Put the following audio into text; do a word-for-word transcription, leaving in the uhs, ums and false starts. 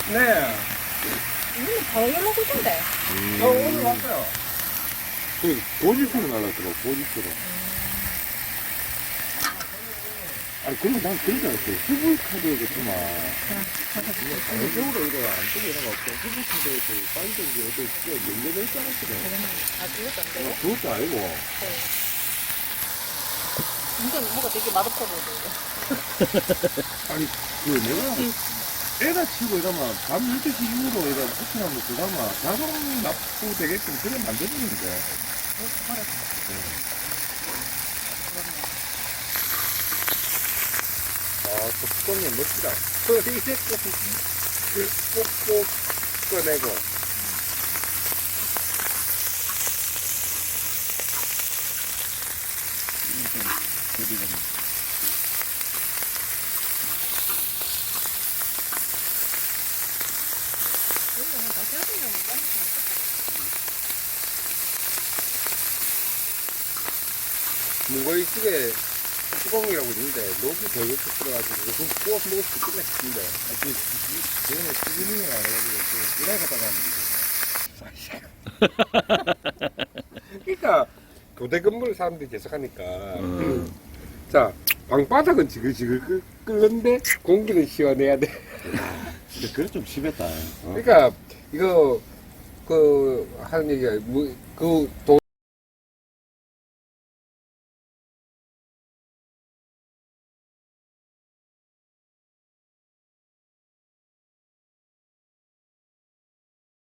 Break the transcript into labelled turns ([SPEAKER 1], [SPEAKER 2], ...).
[SPEAKER 1] 네.
[SPEAKER 2] 음, 바로 연락 오던데.
[SPEAKER 1] 저 오늘 왔어요.
[SPEAKER 3] 그 고집으로 날랐더라고, 고집으로. 아니, 그러면 난 그런 줄 알았어요. 후불 카드겠지만.
[SPEAKER 1] 전적으로 이거 안 뜨고 이런 거 없고, 후불 카드에서 빠지던지 어디 진짜 연결될 줄 알았거든.
[SPEAKER 2] 아, 그것도 안 되고?
[SPEAKER 3] 그것도 아니고.
[SPEAKER 2] 네. 이건 뭐가 되게 맛없어 보이는데.
[SPEAKER 3] 아니, 그 내가 애가 치고 이러면 밤 열두 시 이후로 이런 호텔하면 그가마 자동 납부 되게끔 그래 만들었는데.
[SPEAKER 1] 아, 저 뚜껑이 멋지다. 이제 꼭꼭 꺼내고. 무거이 집에 뚜껑이라고 있는데, 녹이 더 이렇게 들어가지고, 그럼 구워 먹을 수 끝냈는데.
[SPEAKER 3] 아, 그, 저번에 시즈닝을 안 해가지고, 그, 일할 갔다가
[SPEAKER 1] 그러니까, 교대 근무를 사람들이 계속 하니까. 음. 자, 방바닥은 지글지글 끓- 끓는데, 공기는 시원해야 돼.
[SPEAKER 3] 근데 그래 좀 심했다. 어?
[SPEAKER 1] 그러니까, 이거, 그, 하는 얘기가, 뭐, 그, 도,